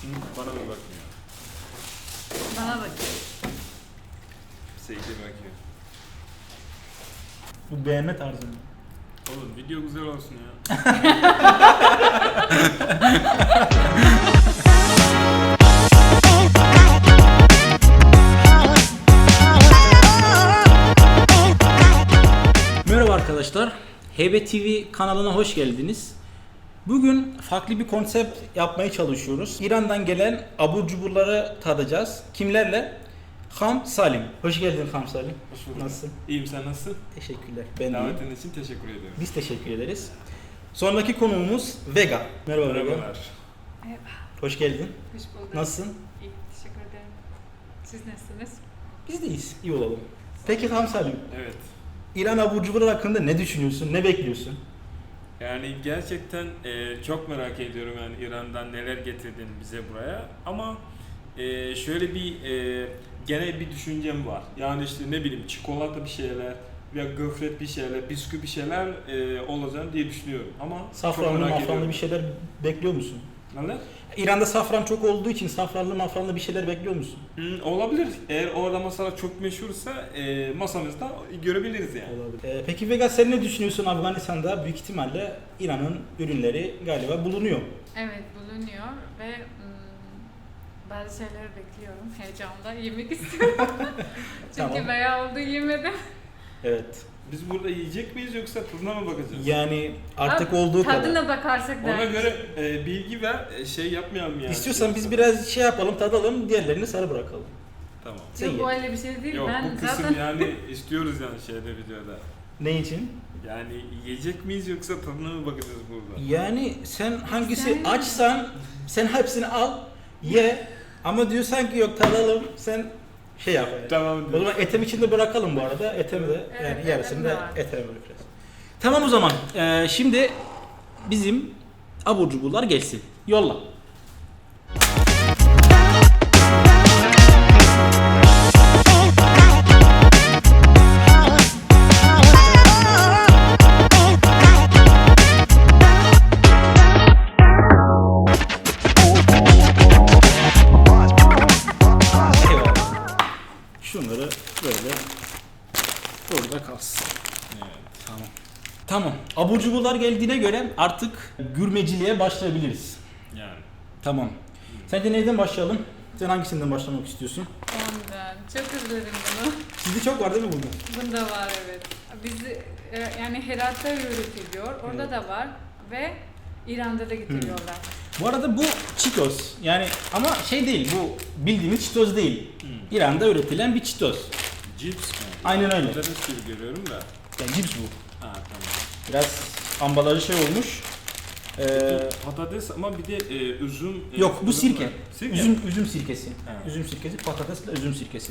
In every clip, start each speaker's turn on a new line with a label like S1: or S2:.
S1: Bana mı bakmıyor?
S2: Bana bakıyor.
S1: Seyirci bakıyor.
S3: Bu beğenme tarzı mı?
S1: Oğlum video güzel olsun ya.
S3: Merhaba arkadaşlar. Heybe TV kanalına hoş geldiniz. Bugün farklı bir konsept yapmaya çalışıyoruz. İran'dan gelen abur cuburları tadacağız. Kimlerle? Ham Salim. Hoş geldin Ham Salim.
S1: Hoş bulduk.
S3: Nasılsın?
S1: İyiyim, sen nasılsın?
S3: Teşekkürler. Ben de
S1: Davetin
S3: iyiyim.
S1: için teşekkür ediyorum.
S3: Biz teşekkür ederiz. Sonraki konuğumuz Vega. Merhaba Vega.
S1: Merhabalar.
S2: Merhaba.
S3: Hoş geldin.
S2: Hoş bulduk.
S3: Nasılsın?
S2: İyi, teşekkür ederim. Siz nasılsınız?
S3: Biz de iyiyiz. İyi olalım. Peki Ham Salim,
S1: Evet.
S3: İran abur cuburları hakkında ne düşünüyorsun? Ne bekliyorsun?
S1: Yani gerçekten çok merak ediyorum yani İran'dan neler getirdin bize buraya. Ama şöyle bir genel bir düşüncem var. Yani işte ne bileyim çikolata bir şeyler veya gofret bir şeyler, bisküvi bir şeyler olacağını diye düşünüyorum. Ama çok
S3: Safranlı
S1: merak
S3: mafranlı
S1: ediyorum.
S3: bir şeyler bekliyor musun?
S1: Neler?
S3: İran'da safran çok olduğu için safranlı mafranlı bir şeyler bekliyor musun?
S1: Olabilir. Eğer orada mesela çok meşhursa masamızda görebiliriz yani.
S3: Olabilir. Peki Vega sen ne düşünüyorsun? Afganistan'da büyük ihtimalle İran'ın ürünleri galiba bulunuyor.
S2: Evet, bulunuyor ve bazı şeyler bekliyorum. Heyecanla yemek istiyorum. Çünkü
S3: Tamam.
S2: bayağı oldu yemedim.
S3: Evet.
S1: Biz burada yiyecek miyiz yoksa tadına mı bakacağız?
S3: Yani artık
S2: Abi,
S3: olduğu kadar.
S2: Tadına bakarsak
S1: Ona
S2: da.
S1: göre bilgi ver, şey yapmayalım yani.
S3: İstiyorsan biz biraz şey yapalım, tadalım, diğerlerini sana bırakalım.
S1: Tamam.
S3: Sen
S2: Yok,
S3: ye.
S2: bu öyle bir şey değil.
S1: Yok
S2: Ben
S1: bu kısım
S2: zaten
S1: yani istiyoruz yani şeyde videoda.
S3: Ne için?
S1: Yani yiyecek miyiz yoksa tadına mı bakacağız burada?
S3: Yani sen hangisi
S2: Sen-
S3: açsan sen hepsini al, ye. Ama diyorsan ki yok tadalım, sen şey yap.
S1: Tamam.
S3: O zaman etem içinde bırakalım bu arada. Etemi de
S2: Evet,
S3: yani yarısını
S2: etem
S3: da
S2: de var.
S3: eteme bırakacağız. Tamam o zaman. Şimdi bizim abur cuburlar gelsin. Yolla. Eyvallah. Şunları böyle burada kalsın.
S1: Evet.
S3: Tamam. Tamam. Abur cuburlar geldiğine göre artık gurmeciliğe başlayabiliriz.
S1: Yani.
S3: Tamam. Sence neyden başlayalım? Sen hangisinden başlamak istiyorsun?
S2: ondan. Çok özledim bunu.
S3: Sizde çok var değil mi bunda?
S2: Bunda var evet. Biz yani Herat'ta üretiliyor. Orada
S3: Evet.
S2: da var ve İran'da da getiriyorlar.
S3: Bu arada bu Cheetos. Yani ama şey değil, bu bildiğimiz Cheetos değil. İran'da üretilen bir Cheetos.
S1: Cips mi?
S3: Aynen öyle.
S1: Patates gibi görüyorum da.
S3: Yani cips bu.
S1: Ha tamam.
S3: Biraz ambalajı şey olmuş.
S1: Patates ama bir de üzüm.
S3: Yok bu sirke.
S1: var. Sirke.
S3: Üzüm sirkesi.
S1: Ha.
S3: Üzüm sirkesi, patatesle üzüm sirkesi.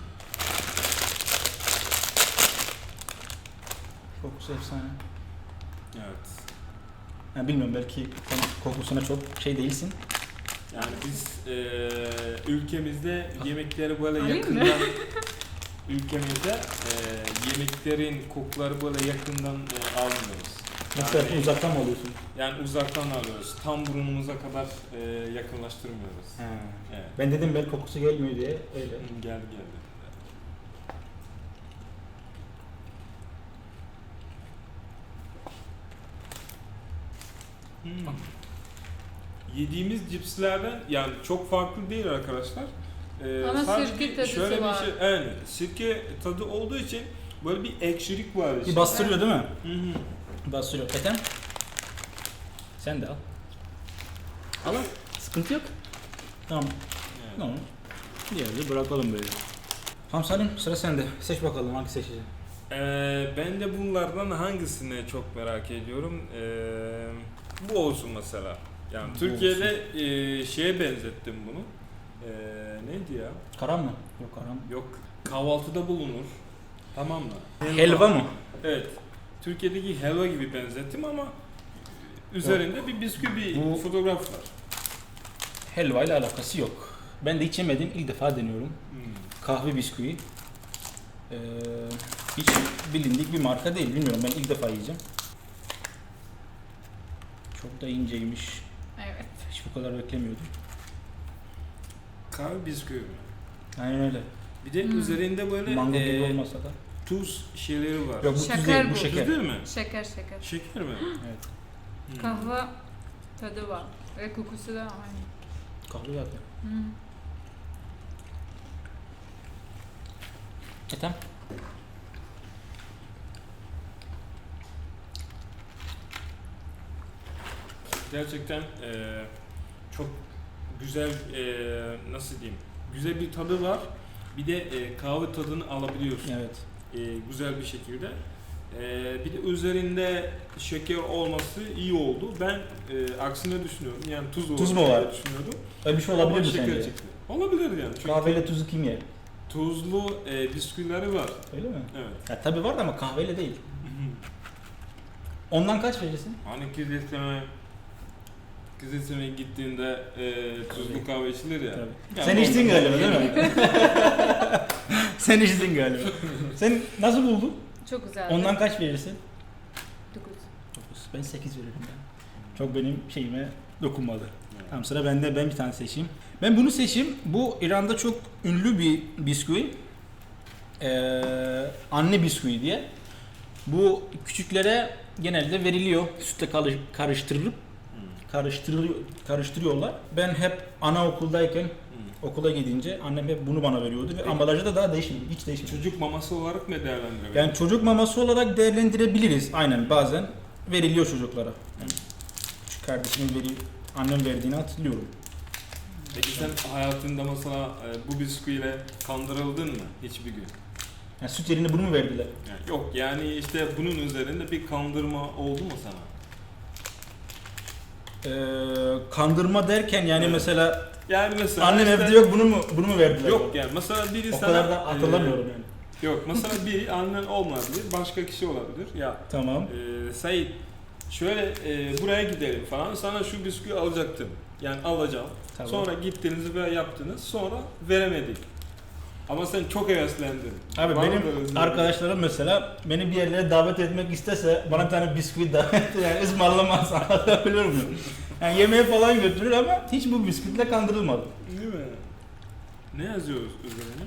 S3: Kokusu efsane.
S1: Evet.
S3: Yani bilmiyorum belki kokusuna çok şey değilsin.
S1: Yani biz ülkemizde yemekleri böyle
S2: Alayım mı?
S1: yakından ülkemizde yemeklerin kokuları böyle yakından almıyoruz.
S3: Nasıl
S1: Yani,
S3: uzaktan mı alıyorsun?
S1: yani uzaktan alıyoruz. Tam burnumuza kadar yakınlaştırmıyoruz.
S3: He.
S1: Evet.
S3: Ben dedim belki kokusu gelmiyor diye öyle.
S1: Geldi. Yediğimiz cipslerden yani çok farklı değil arkadaşlar.
S2: Ama
S1: sadece
S2: sirke tadı
S1: şöyle
S2: var.
S1: bir şey, evet, sirke tadı olduğu için böyle bir ekşilik var.
S3: Bir
S1: işte.
S3: bastırıyor değil mi?
S1: Hı hı.
S3: Bastırıyor. Ethem? Sen de al. Al al. Sıkıntı yok. Tamam.
S1: Evet.
S3: Tamam. Diğerini bırakalım böyle. Tamam Salim sıra sende. Seç bakalım hangi seçeceksin.
S1: Ben de bunlardan hangisini çok merak ediyorum. Bu olsun mesela. Yani
S3: Bu
S1: Türkiye'de şeye benzettim bunu. Neydi ya?
S3: Karam mı? Yok karam.
S1: Yok, kahvaltıda bulunur. Tamam mı?
S3: Helva mı?
S1: Evet. Türkiye'deki helva gibi benzettim ama üzerinde bir bisküvi
S3: Bu-
S1: fotoğraf var.
S3: Helva ile alakası yok. Ben de hiç yemedim. İlk defa deniyorum. Kahve bisküvi. Hiç bilindik bir marka değil. Bilmiyorum ben ilk defa yiyeceğim. Çok da inceymiş.
S2: Evet.
S3: Hiç bu kadar beklemiyordum.
S1: kahve bisküvi.
S3: Aynen öyle.
S1: Bir de üzerinde böyle
S3: Mango gibi olmasa da.
S1: tuz şeyleri var.
S3: Yok bu tuz
S2: Şeker
S3: değil, bu
S2: bu.
S1: Tuz
S3: şeker.
S1: değil mi?
S2: Şeker şeker.
S1: Şeker mi?
S3: Evet.
S2: Kahve tadı var. Ve kokusu da aynı.
S3: Kahve zaten.
S2: Hmm.
S3: Tamam.
S1: Gerçekten çok güzel, nasıl diyeyim, güzel bir tadı var. Bir de kahve tadını alabiliyorsun
S3: Evet.
S1: güzel bir şekilde. Bir de üzerinde şeker olması iyi oldu. Ben aksine düşünüyorum. Yani tuz
S3: Tuz mu
S1: diye
S3: var?
S1: düşünüyordum.
S3: Öyle bir şey olabilir
S1: Ama
S3: mi
S1: şeker
S3: sence?
S1: çıktı. Olabilir yani. Çünkü
S3: Kahveyle tuzu kim yer?
S1: tuzlu bisküvileri var.
S3: Öyle mi?
S1: Evet.
S3: Ya tabii var da ama kahveyle değil. Ondan kaç verirsin?
S1: Hani Kızılseme'ye gittiğinde tuzlu kahve içilir ya.
S3: Tabii.
S1: Yani
S3: Sen içtin
S1: ondan-
S3: galiba değil mi? Sen içtin galiba. Sen nasıl buldun?
S2: Çok güzel.
S3: Ondan kaç verirsin?
S2: 9.
S3: 9. Ben 8 veririm ya. Çok benim şeyime dokunmadı.
S1: Evet.
S3: Tamam sıra bende, ben bir tane seçeyim. Ben bunu seçeyim. Bu İran'da çok ünlü bir bisküvi. Anne bisküvi diye. Bu küçüklere genelde veriliyor. Sütle karıştırılıp karıştırıyorlar. Ben hep anaokuldayken okula gidince annem hep bunu bana veriyordu ve
S1: Peki.
S3: ambalajı da daha değişmedi. Hiç değişmedi.
S1: Çocuk maması olarak mı değerlendiriyor?
S3: Yani çocuk maması olarak değerlendirebiliriz. Aynen bazen veriliyor çocuklara. Yani küçük kardeşimin annem verdiğini hatırlıyorum.
S1: Peki sen hayatında mesela bu bisküviyle kandırıldın mı hiçbir gün?
S3: Yani süt yerine bunu mu verdiler?
S1: Yani yok yani işte bunun üzerinde bir kandırma oldu mu sana?
S3: Kandırma derken yani
S1: Evet.
S3: mesela
S1: Yani mesela
S3: annem
S1: işte-
S3: evde yok bunu mu verdiler?
S1: Yok yani mesela biri
S3: O
S1: sana
S3: kadar da hatırlamıyorum yani.
S1: Yok mesela biri annen olmayabilir, başka kişi olabilir. Ya
S3: Tamam.
S1: Sait şöyle buraya gidelim falan sana şu bisküvi alacaktım. Yani alacağım.
S3: Tamam.
S1: Sonra gittiniz ve yaptınız. Sonra veremedik. Ama sen çok heveslendin.
S3: Abi
S1: Var mı
S3: benim
S1: böyle bir-
S3: arkadaşlarım mesela beni bir yerlere davet etmek istese bana bir tane bisküvi davet yani ısmarlamaz anlatabiliyor muyum? Yani yemeğe falan götürür ama hiç bu bisküvitle kandırılmadım.
S1: Değil mi? Ne yazıyoruz üzerine?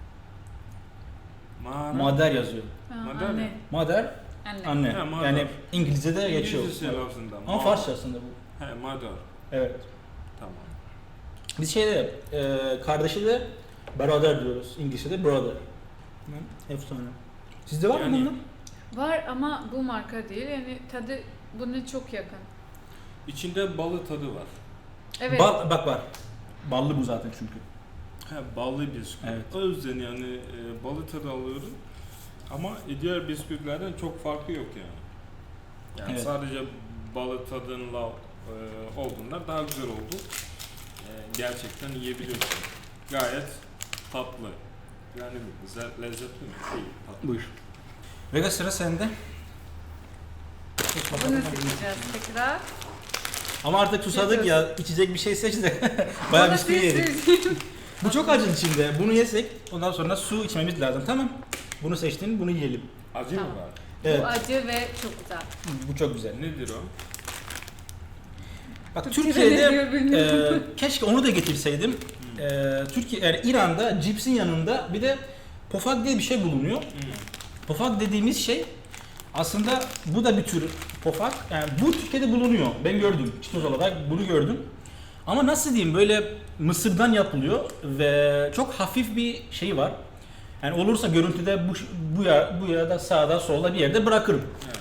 S3: Mader yazıyor.
S1: Madem
S2: Anne.
S3: Mader
S2: Anne.
S3: anne.
S1: Ha, mother.
S3: Yani İngilizce'de geçiyor.
S1: İngilizce lafzında.
S3: Ama Farsça aslında bu.
S1: He, mother.
S3: Evet.
S1: Tamam.
S3: Biz şeyde kardeşi de brother diyoruz. İngilizce'de brother. Efsane. Sizde var mı
S1: Yani-
S3: bundan?
S2: Var ama bu marka değil. Yani tadı buna çok yakın.
S1: İçinde balı tadı var.
S2: Evet.
S3: Bak var. Ballı bu zaten çünkü.
S1: He, ballı bisküvi.
S3: Evet.
S1: O yüzden yani balı tadı alıyorum. Ama diğer bisküvilerden çok farkı yok yani. Yani
S3: Evet.
S1: sadece balı tadınla olduğunda daha güzel oldu. Gerçekten yiyebiliyorsun. Gayet tatlı. Yani güzel, lezzetli mi? İyi, tatlı.
S3: Buyur. Vega sıra sende.
S2: Bunu seçeceğiz tekrar.
S3: Ama artık susadık ya, içecek bir şey seç de bayağı
S2: Bunu
S3: bisküvi yedik.
S2: seçeceğim.
S3: Bu çok acı içinde. Bunu yesek ondan sonra su içmemiz lazım. Tamam. Bunu seçtin, bunu yiyelim.
S1: Acı mı
S2: Tamam.
S1: var?
S3: Evet.
S2: Bu acı ve çok güzel.
S3: Bu çok güzel.
S1: Nedir o?
S3: Bak
S2: Türkçe'de ne
S3: Türkiye'de
S2: diyor bilmiyorum.
S3: keşke onu da getirseydim. Türkiye yani İran'da cipsin yanında bir de pofak diye bir şey bulunuyor. Pofak dediğimiz şey aslında bu da bir tür pofak. Yani bu Türkiye'de bulunuyor. Ben gördüm. Çitoz olarak bunu gördüm. Ama nasıl diyeyim böyle mısırdan yapılıyor ve çok hafif bir şey var. Yani olursa görüntüde bu ya da sağda solda bir yerde bırakırım.
S1: Evet.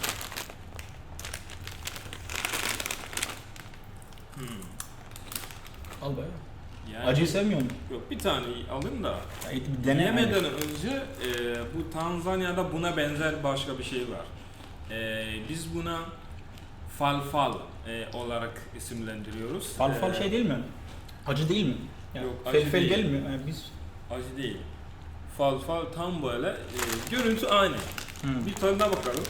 S3: Al bayağı.
S1: Yani,
S3: Acıyı sevmiyor musun?
S1: Yok bir tane alayım da.
S3: Ya, bir dene.
S1: Yemeden önce bu Tanzanya'da buna benzer başka bir şey var. Biz buna falfal olarak isimlendiriyoruz.
S3: Falfal şey değil mi? Acı değil mi? Yani
S1: Yok, acı
S3: felfel
S1: değil.
S3: değil mi? Yani biz
S1: Acı değil. Falfal tam böyle görüntü aynı. Bir tadına bakalım.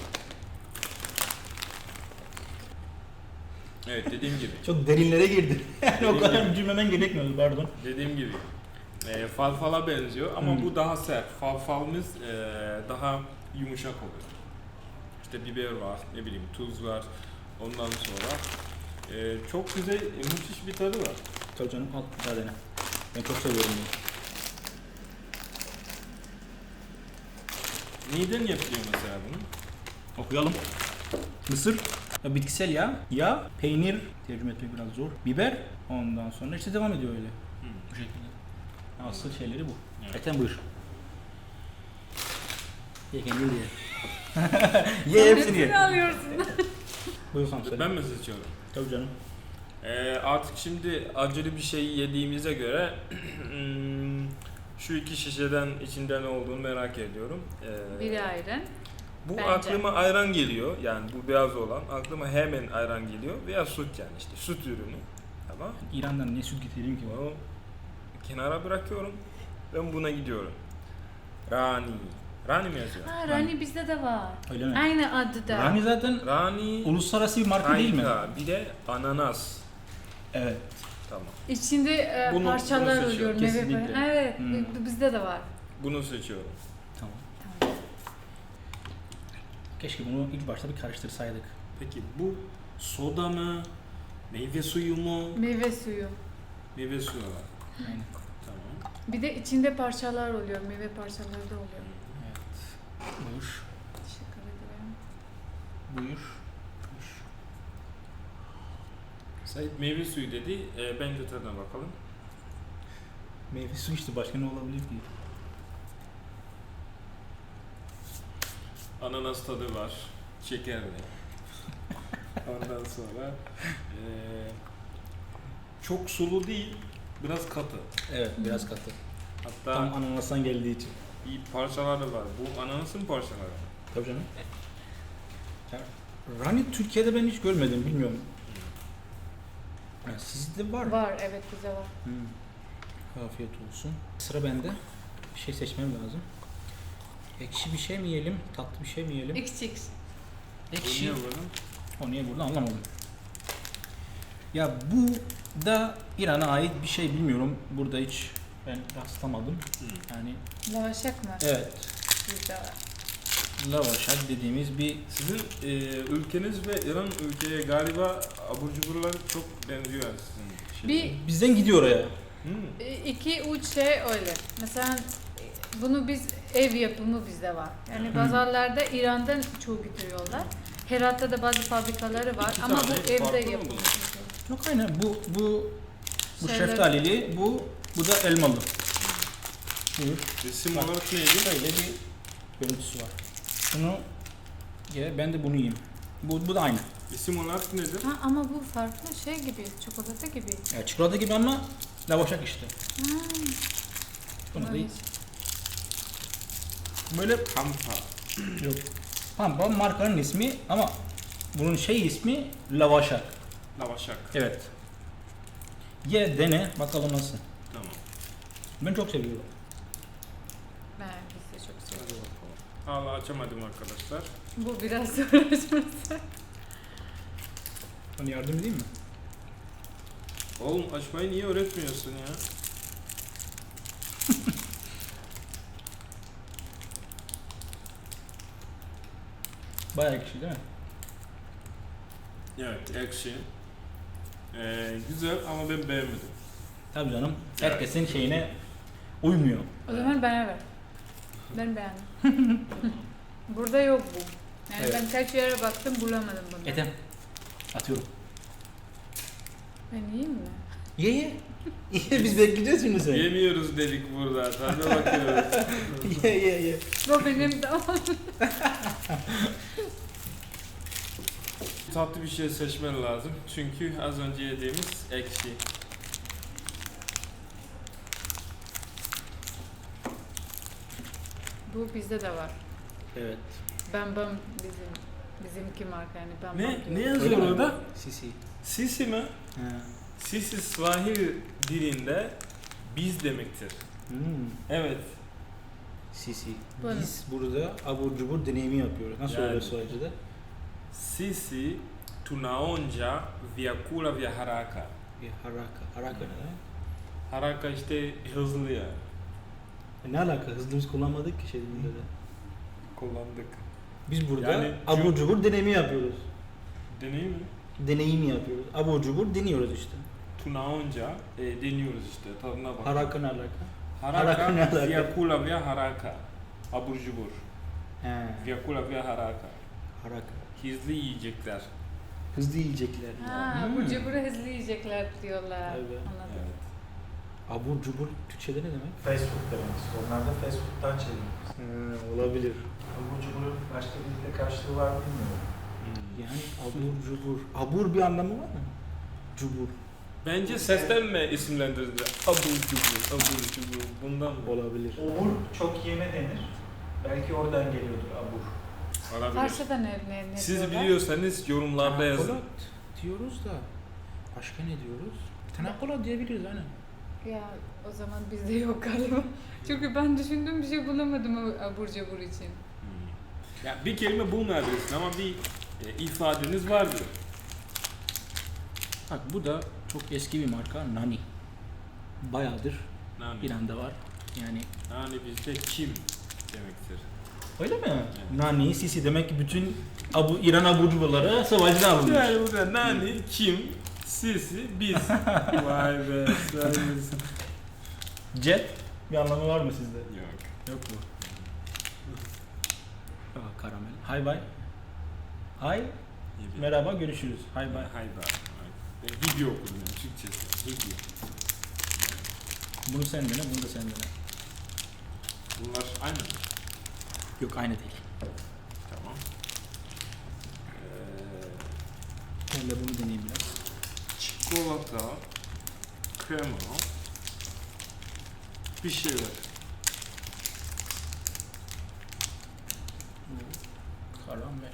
S1: Evet dediğim gibi.
S3: çok derinlere girdi. Yani o
S1: Dediğim
S3: kadar
S1: gibi.
S3: cümlemen gerekmiyor pardon.
S1: Dediğim gibi. Falfala benziyor ama bu daha sert. Falfalımız daha yumuşak oluyor. İşte biber var, ne bileyim tuz var. Ondan sonra çok güzel, müthiş bir tadı var.
S3: Tabii canım al bir daha dene. Ben çok seviyorum bunu.
S1: Neyden yapıyor mesela bunu?
S3: Okuyalım. Mısır, bitkisel yağ, peynir, tercüme etmek biraz zor. Biber, ondan sonra işte devam ediyor öyle. Bu şekilde. Asıl şeyleri bu.
S1: Evet.
S3: Ethem buyur. Ye kendin ye. Ye hepsini ye.
S2: alıyorsun.
S3: Buyur kanka söyle.
S1: Ben mi seçiyorum?
S3: Tabii canım.
S1: Artık şimdi acılı bir şey yediğimize göre şu iki şişeden içinde ne olduğunu merak ediyorum.
S2: Biri ayran.
S1: Bu
S2: Bence.
S1: aklıma ayran geliyor. Yani bu beyaz olan aklıma hemen ayran geliyor veya süt yani işte süt ürünü. Tamam.
S3: İran'dan ne süt getireyim ki?
S1: Bunu kenara bırakıyorum. Ben buna gidiyorum. Rani. Rani mi yazıyor?
S2: Ha, Rani bizde de var.
S3: Öyle mi?
S2: Aynı adı da.
S3: Rani zaten
S1: Rani.
S3: uluslararası bir marka değil mi?
S1: Harika. Bir de ananas.
S3: Evet.
S1: Tamam.
S2: İçinde
S1: Bunu
S2: parçalar
S1: seçiyorum,
S2: oluyor. Meyve
S3: kesinlikle.
S2: falan. Evet, bizde de var.
S1: Bunu seçiyorum.
S3: Tamam.
S2: Tamam.
S3: Keşke bunu ilk başta bir karıştırsaydık.
S1: Peki bu soda mı? Meyve suyu mu?
S2: Meyve suyu.
S1: Meyve suyu var.
S3: Aynen.
S1: Tamam.
S2: Bir de içinde parçalar oluyor. Meyve parçaları da oluyor.
S3: Evet. Buyur.
S2: Teşekkür ederim.
S3: Buyur.
S1: Sait meyve suyu dedi. Bence tadına bakalım.
S3: Meyve suyu işte başka ne olabilir ki?
S1: Ananas tadı var. Şekerli. Ondan sonra çok sulu değil. Biraz katı.
S3: Evet, biraz katı.
S1: Hatta
S3: Tam ananastan geldiği için.
S1: bir parçaları var. Bu ananasın parçaları.
S3: Tabii canım. Ya, Rani Türkiye'de ben hiç görmedim, bilmiyorum. Yani sizde var mı?
S2: Var, evet bizde var.
S3: Afiyet olsun. Sıra bende. Bir şey seçmem lazım. Ekşi bir şey mi yiyelim, tatlı bir şey mi yiyelim?
S2: XX.
S1: Bu
S3: Ekşi.
S1: niye böyle?
S3: O niye burada anlamadım. Ya bu da İran'a ait bir şey, bilmiyorum. Burada hiç ben rastlamadım. Yani
S2: Lavaşak mı?
S3: evet,
S2: Bizde var.
S3: lavaşak dediğimiz bir
S1: Sizin ülkeniz ve İran ülkeye galiba abur cuburlar çok benziyor yani sizin şey.
S3: bizden gidiyor oraya.
S2: İki uç şey öyle. Mesela bunu biz ev yapımı bizde var. Yani pazarlarda İran'dan çoğu getiriyorlar. Herat'ta da bazı fabrikaları var
S1: İki
S2: ama
S1: tane
S2: bu
S1: farklı
S2: evde
S1: mı
S2: yapılıyor.
S3: Yok aynen bu
S2: Şeyler-
S3: şeftalili, bu da elmalı. Buyur.
S1: Resim
S3: Bak.
S1: olarak neydi?
S3: Böyle bir görüntüsü var. Şunu ye, ben de bunu yiyeyim. Bu da aynı.
S1: Resim olarak nedir?
S2: Ha, ama bu farklı şey gibi, çikolata gibi.
S3: Ya çikolata gibi ama lavaşak işte. Bunu da
S2: Evet.
S3: böyle
S1: Pampa.
S3: yok. Pampa markanın ismi ama bunun şey ismi lavaşak.
S1: Lavaşak.
S3: Evet. Ye, dene bakalım nasıl.
S1: Tamam.
S3: Ben çok seviyorum.
S2: Ben biz de çok
S1: Hadi
S2: seviyorum.
S1: bakalım. Hala açamadım arkadaşlar.
S2: Bu biraz uğraşması.
S3: Bana yardım edeyim mi?
S1: Oğlum açmayı niye öğretmiyorsun ya?
S3: Bayağı ekşi değil mi?
S1: Evet, ekşi. Güzel ama ben beğenmedim.
S3: Tabii canım.
S1: Evet.
S3: Herkesin şeyine uymuyor.
S2: O zaman bana ver. Ben beğendim. Burada yok bu. Yani
S3: Evet.
S2: ben kaç yere baktım bulamadım bunu.
S3: Ethem. Atıyorum.
S2: Ben yiyeyim mi?
S3: Ye ye. Ye, biz bekleyeceğiz şimdi seni.
S1: Yemiyoruz dedik burada. Tadına bakıyoruz.
S3: Ye.
S2: Bu benim de
S1: Tatlı bir şey seçmen lazım. Çünkü az önce yediğimiz ekşi.
S2: Bu bizde de var.
S3: Evet.
S2: Bambam bizimki marka yani Bambam.
S1: Ne
S2: diyor.
S1: yazıyor
S3: Öyle mi?
S1: orada?
S3: Sisi.
S1: Sisi mi?
S3: Ha.
S1: Sisi Swahili dilinde biz demektir. Evet.
S3: Sisi.
S2: Buyurun.
S3: Biz burada abur cubur deneyimi yapıyoruz. Nasıl
S1: Yani.
S3: oluyor Swahili'de?
S1: Sisi tunaonja vyakula vya haraka.
S3: Bir haraka. Haraka ne?
S1: Haraka işte hızlı ya.
S3: Ne alaka? Hızlımız kullanmadık ki şey dilinde de.
S1: Kullandık.
S3: Biz burada
S1: Yani
S3: abur cubur deneyimi yapıyoruz.
S1: Deneyim mi?
S3: Deneyimi yapıyoruz. Abur cubur deniyoruz işte.
S1: tunağınca deniyoruz işte tadına bak.
S3: Haraka ne alaka?
S1: Haraka,
S3: ne alaka?
S1: vyakula vya haraka. Abur cubur.
S3: He.
S1: Vyakula vya haraka.
S3: Haraka.
S1: Hızlı yiyecekler.
S3: Hızlı yiyecekler.
S2: Ha,
S3: Hmm.
S2: abur cuburu hızlı yiyecekler diyorlar.
S3: Evet.
S2: Anladım.
S1: Evet.
S3: Abur cubur Türkçe'de ne demek?
S4: Fast food demek işte. Onlar da fast food'dan çeviriyoruz.
S3: Olabilir.
S4: Abur cuburun başka bir dilde karşılığı var mı bilmiyorum.
S3: Yani abur cubur. Abur bir anlamı var mı? Cubur.
S1: Bence sesten mi isimlendirdi? Abur cubur, abur cubur. Bundan mı?
S3: Olabilir.
S4: Obur çok yeme denir. Belki oradan geliyordur abur.
S1: Olabilir.
S2: Farsça'da ne
S1: Siz
S2: diyorlar?
S1: biliyorsanız yorumlarda yazın.
S3: Tanakolat diyoruz da. Başka ne diyoruz? Tanakolat diyebiliriz aynen.
S2: Ya o zaman bizde yok galiba. Çünkü ben düşündüğüm bir şey bulamadım o abur cubur için.
S1: Ya bir kelime bulmayabilirsin ama bir ifadeniz vardır.
S3: Bak bu da çok eski bir marka. Nani. Bayağıdır
S1: Nani.
S3: İran'da var. Yani
S1: Nani bizde kim demektir.
S3: öyle mi? Nani, Sisi demek ki bütün İran abur cuburları savaşçıdan alınmış.
S1: Yani burada nani, kim, sisi, biz. Vay be. sayınız.
S3: Jet bir anlamı var mı sizde?
S1: Yok.
S3: Yok mu? Aa, karamel. Hay bay. Hay. Merhaba görüşürüz. Hay bay.
S1: Hay bay. Ben Hibyo okudum yani Türkçesi. Hibyo.
S3: Bunu sen dene, bunu da sen dene.
S1: Bunlar aynı mı?
S3: Yok aynı değil.
S1: Tamam.
S3: Ben de bunu deneyeyim biraz.
S1: Çikolata, krema, bir şeyler.
S3: Karamel.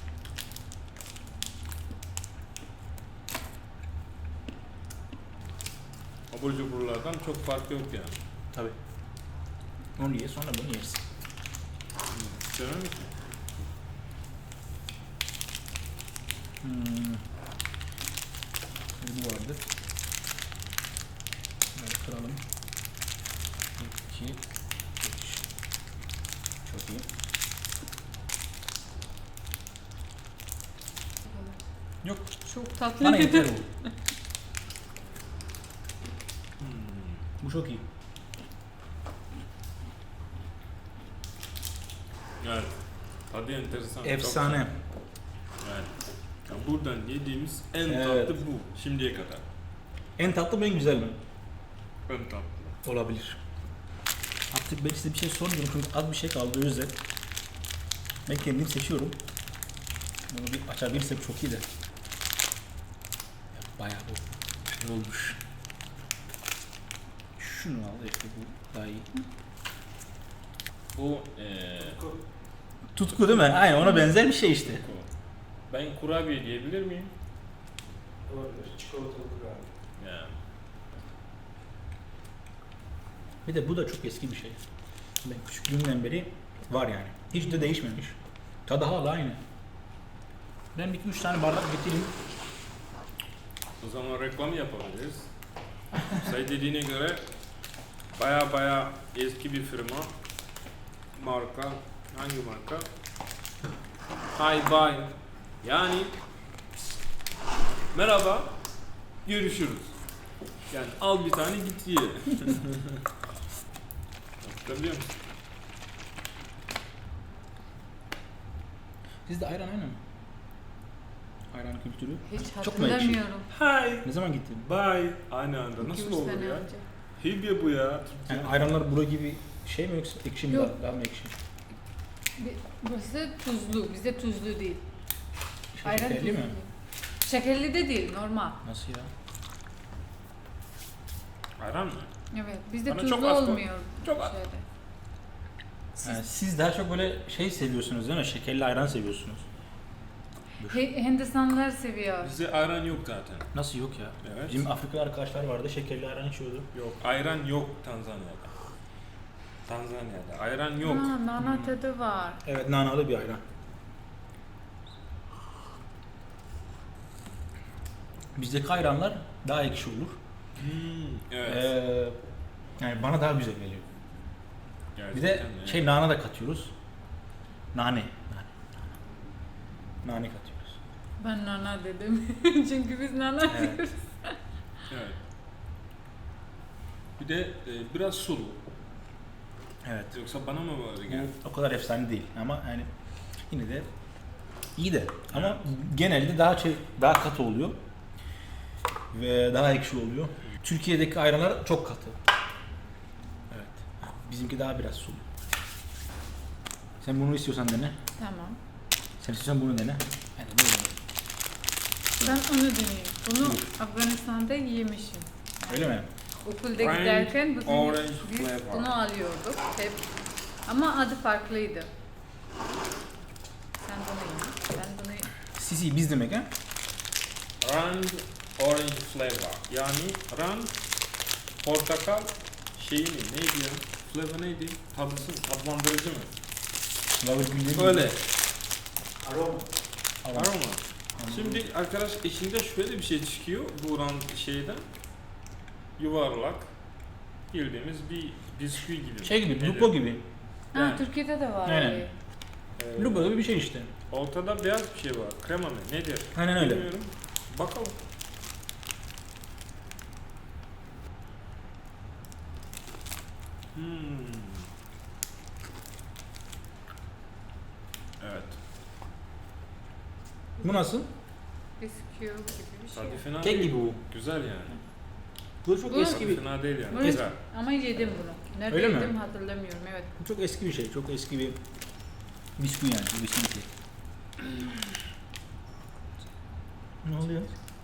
S1: Abur cuburlardan çok fark yok yani.
S3: Tabii. Onu ye sonra bunu yersin.
S1: Sevmem misin?
S3: Bu vardı. Böyle kıralım. 2 3 Çok iyi. Yok.
S2: Çok tatlı.
S3: Bana yeter bu. Bu çok iyi.
S1: Evet. Tadı enteresan. çok
S3: Efsane.
S1: güzel. Yani. Ya buradan yediğimiz en
S3: Evet.
S1: tatlı bu. Şimdiye kadar.
S3: En tatlı mı en güzel mi?
S1: En tatlı.
S3: Olabilir. Artık ben size bir şey sormuyorum çünkü az bir şey kaldı o yüzden. Ben kendim seçiyorum. Bunu bir açabilirsek çok iyi de. Bayağı bu şey olmuş. Şunu al işte bu daha iyi.
S1: Bu
S3: Tutku değil mi? Aynen ona benzer bir şey işte.
S1: ben kurabiye diyebilir miyim?
S4: Olabilir. Çikolatalı kurabiye.
S1: Yani.
S3: Bir de bu da çok eski bir şey. Ben küçüklüğümden beri var yani. Hiç de değişmemiş. Tadı hala aynı. Ben bir 3 tane bardak getireyim.
S1: O zaman reklam yapabiliriz. Say dediğine göre baya eski bir firma. Marka. Hangi marka? Hi bye. Yani merhaba. Görüşürüz. Yani al bir tane git ye. Hatırlıyor musun?
S3: Sizde ayran aynı mı? Ayran kültürü.
S2: Hiç
S3: Çok mu ekşi?
S2: hatırlamıyorum.
S1: Hi.
S3: Ne zaman gittin?
S1: Bye. Aynı anda.
S2: 2-3
S1: Nasıl olur
S2: sene
S1: ya?
S2: önce.
S1: Hibye bu ya. Türkçe.
S3: Yani ayranlar bura gibi şey mi yoksa ekşi mi?
S2: Yok.
S3: Daha mı ekşi?
S2: Burası tuzlu. Bizde tuzlu değil. Ayran
S3: Şekerli
S2: tuzlu
S3: mi?
S2: değil. Şekerli de değil, normal.
S3: Nasıl ya?
S1: Ayran mı?
S2: Evet, bizde
S1: Bana
S2: tuzlu
S1: çok az koy.
S2: olmuyor.
S1: Çok az.
S2: Şeyde.
S3: Yani siz daha çok böyle şey seviyorsunuz değil mi? Şekerli ayran seviyorsunuz.
S2: Hindistanlılar seviyor.
S1: Bizde ayran yok zaten.
S3: Nasıl yok ya?
S1: Evet.
S3: Bizim Afrikalı arkadaşlar vardı şekerli ayran içiyordu.
S1: Yok. Ayran yok Tanzanya'da. Tanzanya'da. Ayran yok.
S2: Ha, nana tadı var.
S3: Evet nanalı bir ayran. Bizdeki ayranlar daha ekşi olur.
S1: Evet.
S3: Yani bana daha güzel geliyor. Bir de
S1: Gerçekten yani.
S3: şey nane de katıyoruz. Nane. Nane katıyoruz.
S2: Ben nana dedim. Çünkü biz nana
S3: Evet.
S2: diyoruz.
S1: Evet. Bir de biraz sulu.
S3: Evet.
S1: Yoksa bana mı böyle geldi?
S3: O kadar efsane değil ama yani yine de iyi de ama genelde daha katı oluyor ve daha ekşi oluyor. Türkiye'deki ayranlar çok katı. Evet. Bizimki daha biraz sulu. Sen bunu istiyorsan dene.
S2: Tamam.
S3: Sen istiyorsan bunu dene. Yani bunu dene.
S2: Ben onu deneyeyim. Bunu Afganistan'da yemişim.
S3: Öyle mi?
S2: Okulda
S1: Orange-
S2: giderken
S1: orange
S2: biz
S1: flavor.
S2: bunu alıyorduk hep. Ama adı farklıydı. Sen bunu ye. Ben bunu
S3: Sisi biz demek ha?
S1: Rand orange flavor. Yani rand portakal şeyi mi? Neydi ya? Flavor neydi? Tatlandırıcı mı? Öyle.
S4: Aroma.
S1: Aroma. Şimdi arkadaş içinde şöyle bir şey çıkıyor bu rand şeyden. Yuvarlak. Bildiğimiz bir bisküvi gibi.
S3: Şey gibi,
S1: Nedir?
S3: lupo gibi.
S1: Yani.
S2: Türkiye'de de var.
S3: Aynen.
S2: öyle.
S3: Lupo gibi bir şey işte.
S1: Ortada beyaz bir şey var. Krema mı? Nedir?
S3: Aynen öyle.
S1: Bilmiyorum. Bakalım. Evet.
S3: Bu nasıl?
S2: Bisküvi gibi bir şey.
S1: Tadı fena
S3: Kek
S1: değil.
S3: gibi bu.
S1: Güzel yani.
S3: Bu çok
S2: Bu-
S3: eski
S1: Tadı
S3: bir,
S1: fena değil yani.
S2: Evet.
S1: Güzel.
S2: Ama yedim bunu. Nerede
S3: Öyle mi?
S2: yedim hatırlamıyorum. Evet.
S3: bu çok eski bir şey. Çok eski bir bisküvi yani. Bir bisküvi kek. Ne oluyor?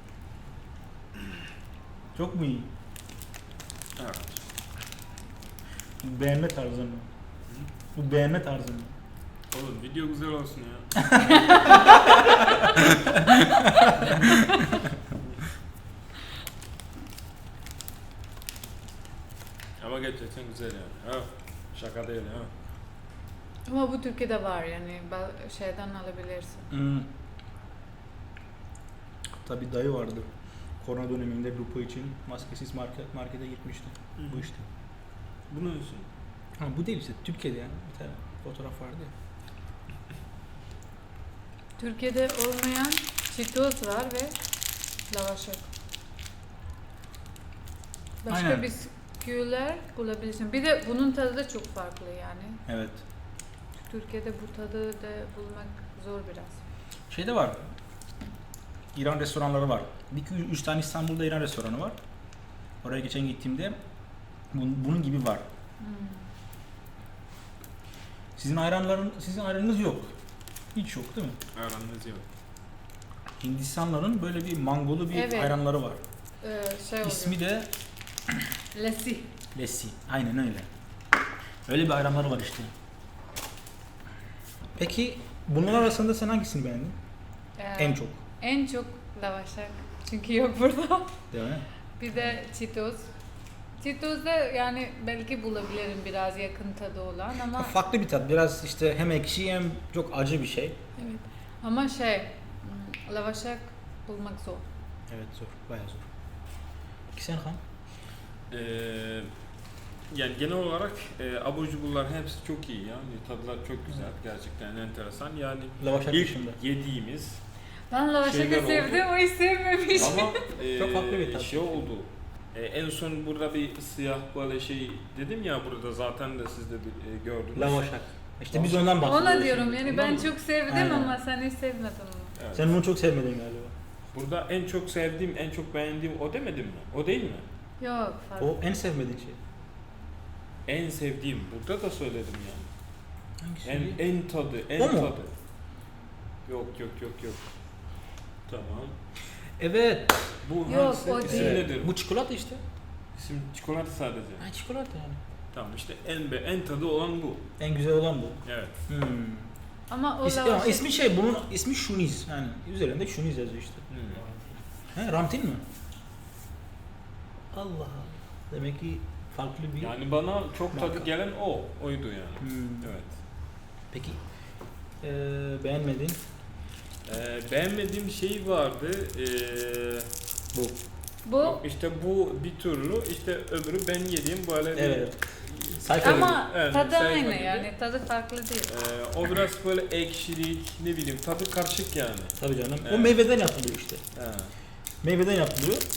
S3: Çok mu iyi?
S1: Evet.
S3: Bu beğenme tarzı mı? Bu beğenme tarzı mı?
S1: Oğlum video güzel olsun ya. Ama gerçekten güzel yani. Ha. Şaka değil ha.
S2: Ama bu Türkiye'de var yani şeyden alabilirsin.
S3: Tabii dayı vardı. Korona döneminde Lupo için maskesiz markete gitmişti.
S1: Hı.
S3: Bu işte.
S1: Bu ne olsun?
S3: Ha, bu değil işte. Türkiye'de yani. Bir tane fotoğraf vardı ya.
S2: Türkiye'de olmayan Cheetos var ve lavaşak. Başka
S3: Aynen.
S2: bisküviler bulabilirsin. Bir de bunun tadı da çok farklı yani.
S3: Evet.
S2: Türkiye'de bu tadı da bulmak zor biraz.
S3: Şeyde var. İran restoranları var. 2-3 tane İstanbul'da İran restoranı var. Oraya geçen gittiğimde bunun gibi var. Sizin ayranınız yok. Hiç yok değil mi?
S1: Aranız yok.
S3: Hindistanların böyle bir mangolu bir
S2: Evet.
S3: ayranları var.
S2: Şey oluyor.
S3: İsmi de
S2: Lassi.
S3: Lassi. Aynen öyle. Öyle bir ayranları var işte. Peki bunlar arasında sen hangisini beğendin? En çok.
S2: En çok lavaşak. Çünkü yok burada.
S3: Değil mi?
S2: Bir de Cheetos. Cheetos'da yani belki bulabilirim biraz yakın tadı olan ama
S3: Farklı bir tat. Biraz işte hem ekşi hem çok acı bir şey.
S2: evet. Ama lavaşak bulmak zor.
S3: Evet zor. Bayağı zor. Peki sen Han?
S1: Yani genel olarak abur cuburlar hepsi çok iyi yani tadılar çok güzel gerçekten enteresan yani
S3: Lavaşak
S1: ilk
S3: dışında.
S1: yediğimiz
S2: Ben lavaşakı
S1: Şeyler
S2: sevdim, o hiç sevmemiş.
S1: ama
S3: Çok farklı bir tat.
S1: şey oldu en son burada bir siyah böyle şey dedim ya burada zaten de siz de gördünüz.
S3: Lavaşak. İşte biz ondan bahsediyoruz.
S2: Ona diyorum yani ben
S1: Ondan mı?
S2: çok sevdim
S3: Aynen.
S2: ama sen hiç sevmedin onu.
S1: Evet.
S3: Sen bunu çok sevmedin galiba.
S1: Burada en çok sevdiğim en çok beğendiğim o demedim mi? O değil mi?
S2: Yok farklı.
S3: O en sevmediğin şey.
S1: En sevdiğim burada da söyledim yani.
S3: Hangisi?
S1: En tadı, en
S3: O mu?
S1: tadı. Yok. Tamam.
S3: Evet.
S1: Bu
S2: Yok,
S1: hangisi?
S2: o
S1: İsim
S2: değil.
S1: nedir?
S3: Bu çikolata işte.
S1: İsim çikolata sadece.
S3: Ha çikolata yani.
S1: Tamam işte en tadı olan bu.
S3: En güzel olan bu.
S1: Evet.
S2: Ama o
S3: Ama
S2: lavaşak
S3: ismi şey, bunun ismi Şuniz. Yani üzerinde Şuniz yazıyor işte. He, Ramtin mi? Allah Allah. Demek ki farklı bir...
S1: Yani bana çok tadı
S3: Marka.
S1: gelen oydu yani. Evet.
S3: Peki beğenmedin?
S1: Beğenmediğim şey vardı.
S3: Bu.
S2: bu
S1: İşte bu bir türlü, işte öbürü ben yediğim böyle bir
S3: Evet. Sayfa
S2: ama
S1: Evet,
S2: tadı
S1: sayfa
S2: aynı
S1: gibi.
S2: yani tadı farklı değil.
S1: o biraz böyle ekşilik, ne bileyim tadı karışık yani.
S3: Tabii canım. O
S1: Evet.
S3: meyveden yapılıyor işte.
S1: Ha.
S3: Meyveden yapılıyor.
S1: Evet.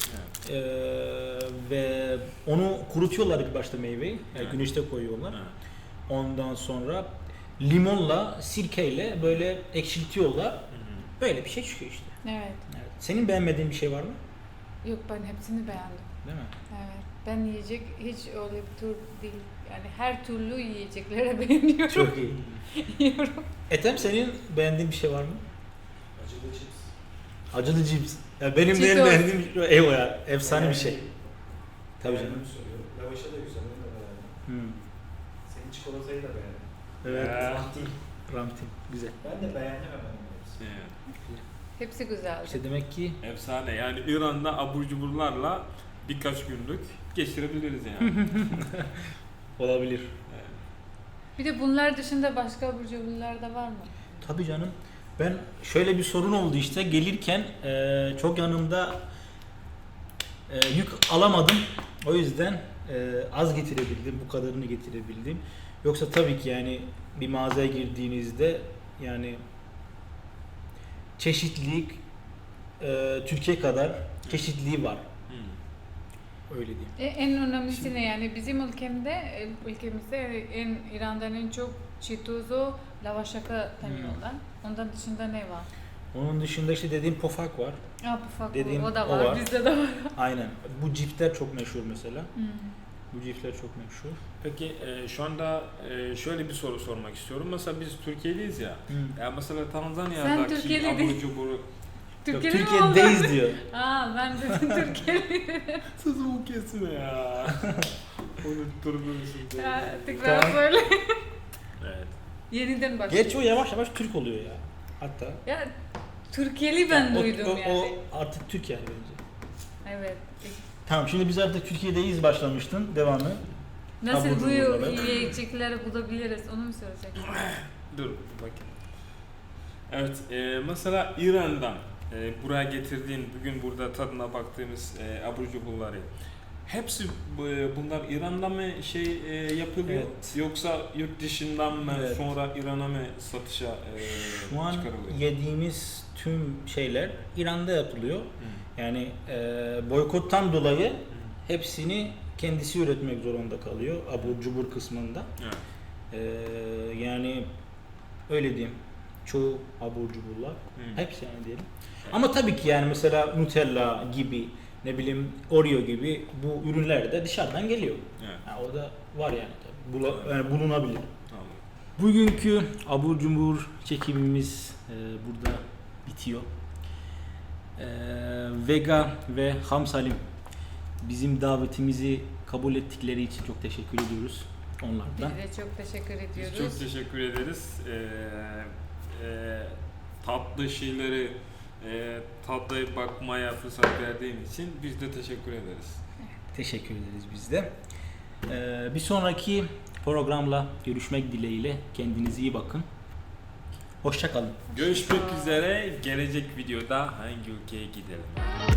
S3: Ve onu kurutuyorlar ilk başta meyveyi. Yani
S1: Evet.
S3: güneşte koyuyorlar.
S1: Evet.
S3: Ondan sonra limonla, sirkeyle böyle ekşiltiyorlar.
S1: Hı hı.
S3: Böyle bir şey çıkıyor işte.
S2: Evet.
S3: Evet. Senin beğenmediğin bir şey var mı?
S2: Yok, ben hepsini beğendim.
S3: Değil mi?
S2: Evet. Ben yiyecek hiç öyle bir tür değil. Yani her türlü yiyeceklere beğeniyorum.
S3: Çok iyi.
S2: Yiyorum.
S3: Ethem, senin beğendiğin bir şey var mı?
S4: Acılı cips.
S3: Acılı cips. Ya benim de en
S2: Cheetos.
S3: beğendiğim eyvah ya. Efsane bir şey. Tabii canım.
S4: Beğendiğimi söylüyorum. Lavaşı da güzel, onu da beğendim.
S3: Hmm.
S4: Senin çikolatayı da beğendim.
S3: Evet.
S1: Ya.
S3: Ramtin. Güzel.
S4: Ben de beğendim hemen hepsini.
S1: Evet.
S2: Hepsi güzeldi.
S3: İşte demek ki
S1: Efsane. Yani İran'da abur cuburlarla birkaç günlük geçirebiliriz yani.
S3: olabilir.
S1: Evet.
S2: Bir de bunlar dışında başka abur cuburlar da var mı?
S3: Tabii canım. Ben şöyle bir sorun oldu işte gelirken çok yanımda yük alamadım. O yüzden az getirebildim. Bu kadarını getirebildim. Yoksa tabii ki yani bir mağazaya girdiğinizde yani çeşitlilik Türkiye kadar çeşitliliği var.
S1: Hmm.
S3: Öyle diyeyim.
S2: En önemlisi ne yani bizim ülkemizde en İran'dan en çok çitozo, lavaşaka tanıyorlar. Ondan dışında ne var?
S3: Onun dışında işte dediğim pofak var.
S2: Pufak
S3: Dediğim
S2: o da
S3: o
S2: var,
S3: var.
S2: bizde de var.
S3: Aynen. Bu cipsler çok meşhur mesela.
S2: Hmm.
S3: Bu cipsler çok meşhur.
S1: Peki şu anda şöyle bir soru sormak istiyorum. Mesela biz Türkiye'liyiz ya.
S3: Hı.
S1: Ya mesela
S2: Sen
S1: Tanzanya'daki
S2: Türkiye'li
S1: abur
S2: değil.
S1: cuburu
S3: Yok,
S2: Türkiye'de mi
S3: Türkiye'deyiz
S2: oldun?
S3: diyor.
S2: Ben de Türkiye'li.
S1: sözümü kesme ya. Unutturdun şimdi.
S2: Tekrar
S3: Tamam.
S2: söyle.
S1: Evet.
S2: Yeniden başlayalım.
S3: Gerçi o yavaş yavaş Türk oluyor ya. Hatta.
S2: Ya Türkiye'li ben
S3: Yani
S2: duydum
S3: o
S2: yani.
S3: artık Türk yani bence.
S2: Evet.
S3: Tamam, şimdi biz artık Türkiye'deyiz başlamıştın. Devamı.
S2: Nasıl
S3: Abur
S2: bu
S3: cuburları.
S2: yiyecekleri bulabiliriz onu mu söyleyeceksin?
S1: Dur bakayım. Evet, mesela İran'dan buraya getirdiğin, bugün burada tadına baktığımız abur cuburları, hepsi bunlar İran'da mı yapılıyor?
S3: Evet.
S1: Yoksa yurt dışından mı
S3: Evet.
S1: sonra İran'a mı satışa
S3: Şu an
S1: çıkarılıyor?
S3: yediğimiz tüm şeyler İran'da yapılıyor.
S1: Hı.
S3: Yani boykottan dolayı hepsini kendisi üretmek zorunda kalıyor. Abur cubur kısmında.
S1: Evet.
S3: Yani öyle diyeyim. Çoğu abur cuburlar.
S1: Hı.
S3: Hepsi yani diyelim. Ama tabii ki yani mesela Nutella gibi, ne bileyim Oreo gibi bu ürünler de dışarıdan geliyor.
S1: Evet.
S3: Yani o da var yani tabii. Yani bulunabilir.
S1: Tamam.
S3: Bugünkü abur cubur çekimimiz burada bitiyor. Vega ve Hamsalim bizim davetimizi kabul ettikleri için çok teşekkür ediyoruz onlardan.
S2: Biz de çok teşekkür
S1: Biz
S2: ediyoruz.
S1: çok teşekkür ederiz. Tatlı şeyleri tatlı bakmaya fırsat verdiğin için biz de teşekkür ederiz.
S3: Teşekkür ederiz biz de. Bir sonraki programla görüşmek dileğiyle. Kendinize iyi bakın. Hoşça kalın.
S1: Görüşmek üzere. Gelecek videoda hangi ülkeye gidelim?